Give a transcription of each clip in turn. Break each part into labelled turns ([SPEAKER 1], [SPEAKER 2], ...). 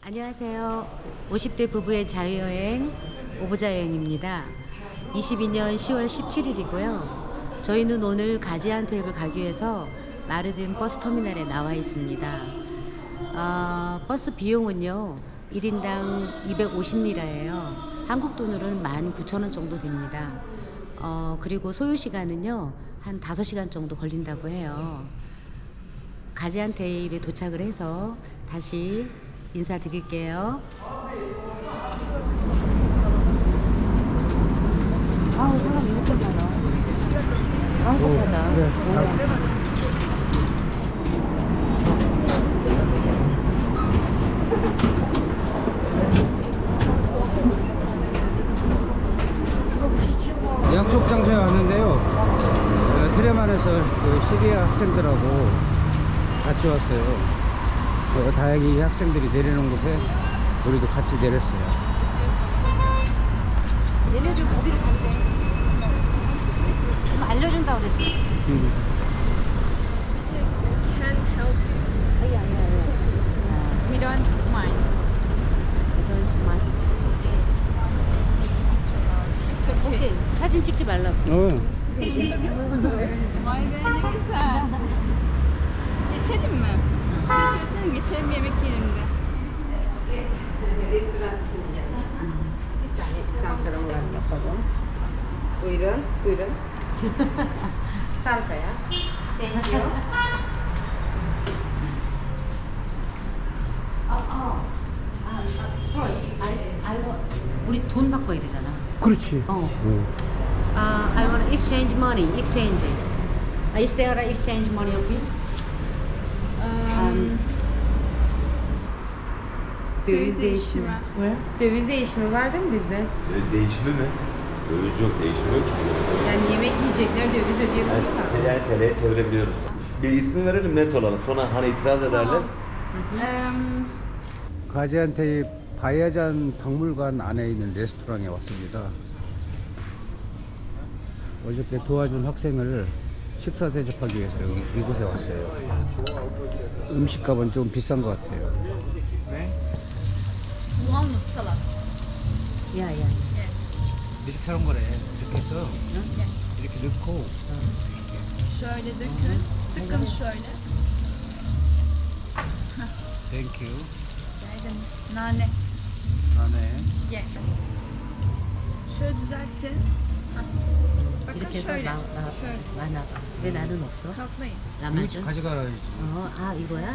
[SPEAKER 1] 안녕하세요. 50대 부부의 자유여행 오보자 여행입니다. 22년 10월 17일이고요. 저희는 오늘 가지안테입을 가기 위해서 마르딘 버스 터미널에 나와 있습니다. 버스 비용은요 1인당 250리라예요. 한국 돈으로는 19,000원 정도 됩니다. 그리고 소요 시간은요 한 5시간 정도 걸린다고 해요. 가지안테입에 도착을 해서 다시 인사드릴게요. 아우 사람 이렇게 많아. 한국 가자.
[SPEAKER 2] 약속 장소에 왔는데요. 트레만에서 그 시리아 학생들하고 같이 왔어요. 다행히 학생들이 내리는 곳에 우리도 같이 내렸어요.
[SPEAKER 1] 얘네들 어디로 간대? 지금 알려준다고 그랬어.
[SPEAKER 3] Can help you.
[SPEAKER 1] 아야.
[SPEAKER 3] We don't mind.
[SPEAKER 1] 이런 스마트.
[SPEAKER 3] It's okay.
[SPEAKER 1] 오케이. 사진 찍지 말라고.
[SPEAKER 3] Vay be ne güzel. Geçelim mi? İstiyorsanız geçelim yemek yiyelim de.
[SPEAKER 4] çantalarım var yapalım. Buyurun, buyurun. Çantaya. Thank you.
[SPEAKER 1] 우리 돈 바꿔야 되잖아.
[SPEAKER 2] 그렇지.
[SPEAKER 1] I want exchange money. Exchange. Is there an exchange money office?
[SPEAKER 4] Döviz değişimi.
[SPEAKER 1] Where?
[SPEAKER 4] Döviz değişimi var değil mi bizde?
[SPEAKER 5] Değişimi mi? Döviz yok, değişimi yok.
[SPEAKER 4] Yani yemek yiyecekler döviz ödeyebiliyorlar.
[SPEAKER 5] Yani TL'ye çevirebiliyoruz. Bir ismi verelim net olalım. Sonra hani itiraz ederler.
[SPEAKER 2] 가지안테입 바야잔 박물관 안에 있는 레스토랑에 왔습니다. 어저께 도와준 학생을 식사 대접하기 위해서 이곳에 왔어요. 음식값은 좀 비싼 것 같아요.
[SPEAKER 3] Walnut salad.
[SPEAKER 1] Yeah, yeah.
[SPEAKER 2] 이렇게 하는 거래. 이렇게 해서 이렇게 넣고
[SPEAKER 3] Şöyle dökün. Sıkın şöyle.
[SPEAKER 2] Thank you.
[SPEAKER 3] Geldim. Nane.
[SPEAKER 2] 안에
[SPEAKER 3] Ye. Şöyle düzeltin. Hah. Bakın
[SPEAKER 1] 이렇게 해서
[SPEAKER 3] şöyle.
[SPEAKER 1] 나
[SPEAKER 3] Şöyle.
[SPEAKER 1] 많아. 왜 나는 없어?
[SPEAKER 3] Katlayın.
[SPEAKER 1] 라마준?
[SPEAKER 2] 가져가야지.
[SPEAKER 1] 이거야?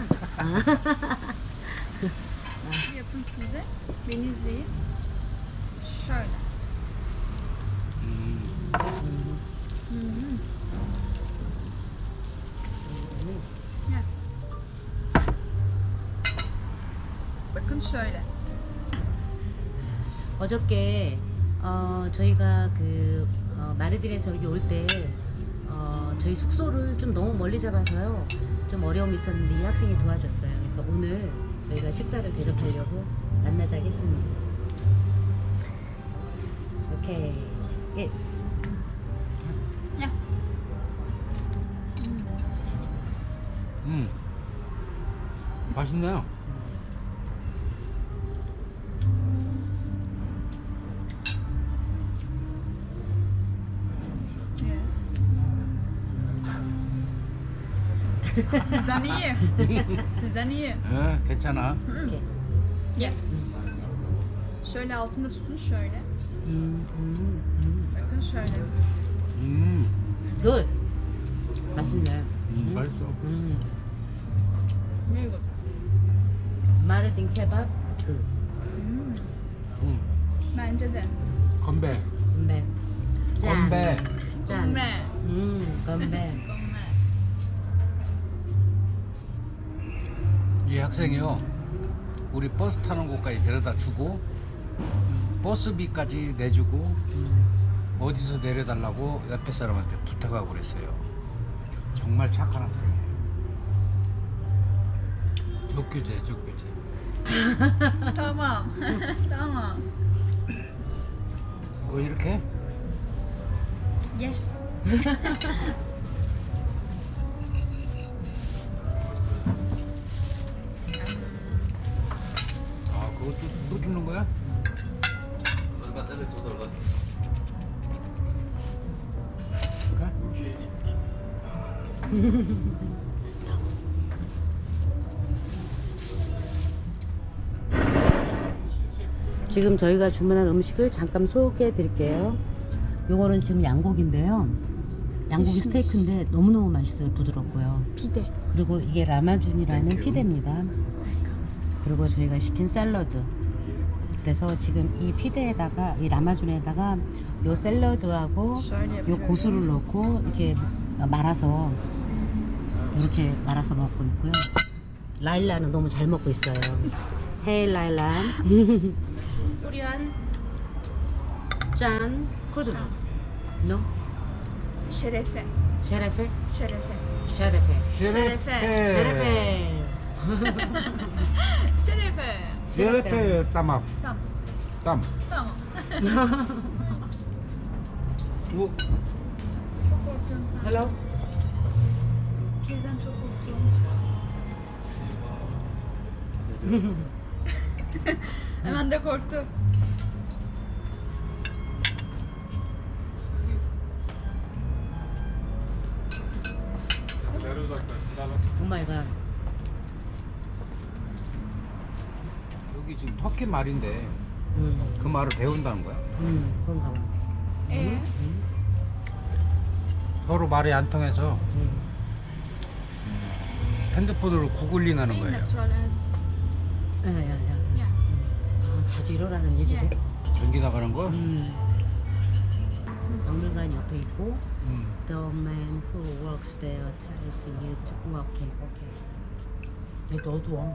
[SPEAKER 3] Yapın siz de. Beni izleyin. Şöyle. Gel. Bakın şöyle.
[SPEAKER 1] 어저께 저희가 그 마르딘에서 여기 올 때 저희 숙소를 좀 너무 멀리 잡아서요 좀 어려움이 있었는데 이 학생이 도와줬어요. 그래서 오늘 저희가 식사를 대접하려고 만나자고 했습니다. 오케이. 예.
[SPEAKER 3] Gel.
[SPEAKER 2] 맛있네요.
[SPEAKER 3] Yes. Sizden iyi. Sizden iyi.
[SPEAKER 2] 괜찮아.
[SPEAKER 1] 오케이.
[SPEAKER 3] Yes. Şöyle altında tutun şöyle. Bakın şöyle.
[SPEAKER 1] 굿. 맛있네.
[SPEAKER 2] 맛있어.
[SPEAKER 3] Very good.
[SPEAKER 1] 마르딘 케밥 그
[SPEAKER 3] Bence de.
[SPEAKER 2] 건배.
[SPEAKER 1] 건배. 짠.
[SPEAKER 2] 건배.
[SPEAKER 1] 짠.
[SPEAKER 3] Ve.
[SPEAKER 1] 건배.
[SPEAKER 2] 이 학생이요. 우리 버스 타는 곳까지 데려다 주고 버스비까지 내주고 어디서 내려달라고 옆에 사람한테 부탁하고 그랬어요. 정말 착한 학생이에요. 적규제.
[SPEAKER 3] Tamam. Tamam.
[SPEAKER 2] 이렇게?
[SPEAKER 3] Ye.
[SPEAKER 2] 또 주는 거야?
[SPEAKER 5] 얼마 때렸어, 얼마.
[SPEAKER 1] 지금 저희가 주문한 음식을 잠깐 소개해 드릴게요. 요거는 지금 양고기인데요. 양고기 스테이크인데 너무너무 맛있어요. 부드럽고요.
[SPEAKER 3] 피대.
[SPEAKER 1] 그리고 이게 라마준이라는 피대입니다. 그리고 저희가 시킨 샐러드. 그래서 지금 이 피대에다가 이 라마준에다가 요 샐러드하고 요 고수를 넣고 이렇게 말아서 이렇게 말아서 먹고 있고요. 라일라는 너무 잘 먹고 있어요. 헤이 라일라. 코리안 짠 쿠드. No?
[SPEAKER 3] Şerefe.
[SPEAKER 1] 셰레페?
[SPEAKER 3] Şerefe.
[SPEAKER 1] 셰레페.
[SPEAKER 3] Şerefe.
[SPEAKER 1] 셰레페.
[SPEAKER 3] Şerefe.
[SPEAKER 2] 셰레페 땀압.
[SPEAKER 3] Tamam.
[SPEAKER 2] 땀.
[SPEAKER 3] Tamam.
[SPEAKER 2] 뭐?
[SPEAKER 3] Çok korkuyorum sen.
[SPEAKER 1] Hello.
[SPEAKER 3] Kediden çok korktum. Hemen de korktu.
[SPEAKER 1] 오 마이 갓.
[SPEAKER 2] 여기 지금 터키 말인데
[SPEAKER 1] 음.
[SPEAKER 2] 그 말을 배운다는 거야?
[SPEAKER 1] 그런가 봐.
[SPEAKER 2] 서로 말이 안 통해서
[SPEAKER 1] 음.
[SPEAKER 2] 핸드폰으로 구글링 하는 거예요.
[SPEAKER 3] Natural as.
[SPEAKER 1] 야야야.
[SPEAKER 3] Yeah.
[SPEAKER 1] 아, 자주 일어나는 일이래.
[SPEAKER 3] 예.
[SPEAKER 2] 전기 나가는 거?
[SPEAKER 1] 박물관 옆에 있고
[SPEAKER 2] 음.
[SPEAKER 1] The man who works there tells you to 오케이 오케이. 얘도 어두워.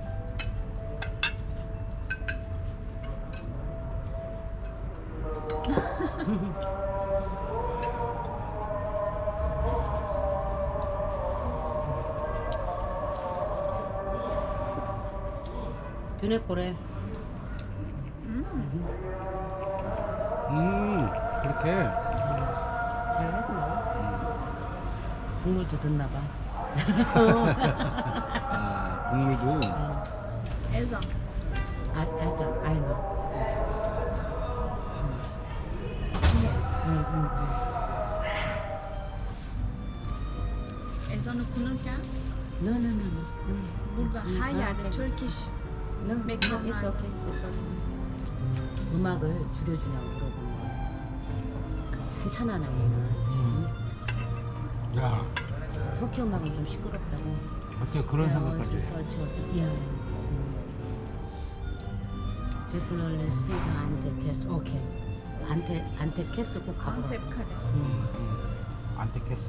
[SPEAKER 1] 두뇌 꼬래.
[SPEAKER 2] 그렇게.
[SPEAKER 1] 잘 해서 먹어. 국물도 듣나 봐.
[SPEAKER 2] 아, 국물도.
[SPEAKER 3] Ezan.
[SPEAKER 1] 알죠, 알노.
[SPEAKER 3] Yes.
[SPEAKER 1] 응.
[SPEAKER 3] Ezan okunurken
[SPEAKER 1] No.
[SPEAKER 3] burada her yerde Turkish
[SPEAKER 1] No,
[SPEAKER 3] 맥주는
[SPEAKER 1] it's okay, it's okay. 음악을 줄여주냐고 물어보는 거야. 찬찬하네 얘는.
[SPEAKER 2] 야,
[SPEAKER 1] 터키 음악은 좀 시끄럽다고.
[SPEAKER 2] 어떻게 그런 생각까지 해?
[SPEAKER 1] 야. Definitely see the Antep Castle. 오케이. 안텝 캐슬 꼭 가보라.
[SPEAKER 3] Antep kale.
[SPEAKER 2] 안테캐슬.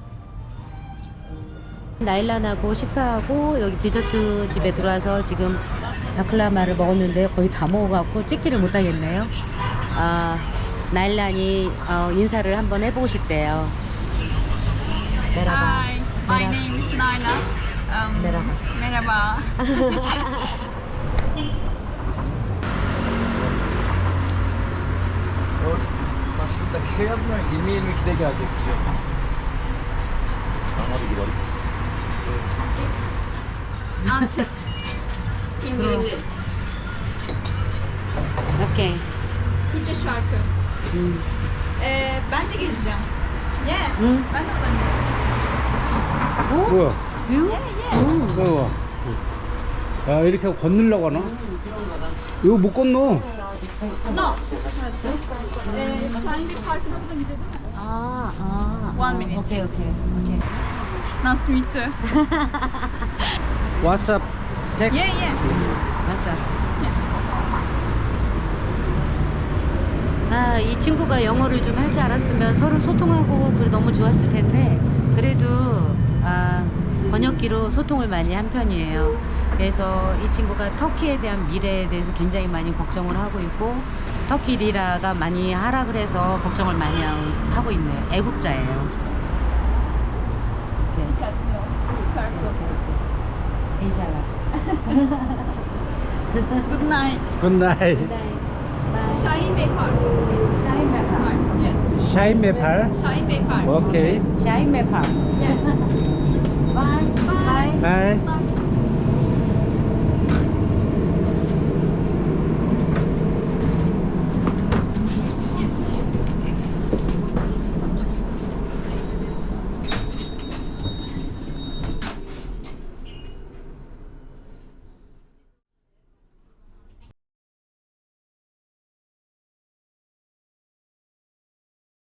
[SPEAKER 1] 나일란하고 식사하고 여기 디저트 집에 들어와서 지금 바클라마를 먹었는데 거의 다 먹어갖고 찍지를 못하겠네요. 나일란이 인사를 한번 해보고 싶대요. 메라바.
[SPEAKER 3] Hi, my name is Naila.
[SPEAKER 1] Merhaba.
[SPEAKER 3] Merhaba.
[SPEAKER 2] Bak şuradaki şey yazmıyor. 20-22'de gelecek diyor.
[SPEAKER 5] Ama bir gidelim.
[SPEAKER 3] Antep. İngilizce.
[SPEAKER 1] 오케이.
[SPEAKER 3] Türkçe şarkı. Ben de geleceğim. Yeah.
[SPEAKER 1] 응.
[SPEAKER 3] Ben de oynayacağım.
[SPEAKER 2] 뭐야?
[SPEAKER 1] 유?
[SPEAKER 2] 뭐야? 야, 이렇게 건너려고 하나? 이거 못 건너.
[SPEAKER 3] No. Burası. Şahin bir parkına buradan gidiyor değil mi? One minute.
[SPEAKER 1] 오케이.
[SPEAKER 3] Nice to meet you.
[SPEAKER 2] WhatsApp text.
[SPEAKER 3] Yeah.
[SPEAKER 1] 맞아. 이 친구가 영어를 좀 할 줄 알았으면 서로 소통하고 그래 너무 좋았을 텐데 그래도 번역기로 소통을 많이 한 편이에요. 그래서 이 친구가 터키에 대한 미래에 대해서 굉장히 많이 걱정을 하고 있고 터키 리라가 많이 하락을 해서 걱정을 많이 하고 있네요. 애국자예요.
[SPEAKER 3] Dikkatli ol. Dikkatli ol.
[SPEAKER 1] 인샬라.
[SPEAKER 3] Good night.
[SPEAKER 2] 굿나잇.
[SPEAKER 3] Şahin Bey Park.
[SPEAKER 1] 샤인 메파.
[SPEAKER 3] Park. Yes.
[SPEAKER 2] 샤인메팔.
[SPEAKER 3] Şahin Bey Park.
[SPEAKER 2] 오케이.
[SPEAKER 1] 샤인 메파.
[SPEAKER 3] Yes.
[SPEAKER 1] 바이.
[SPEAKER 2] 바이.
[SPEAKER 3] Bye.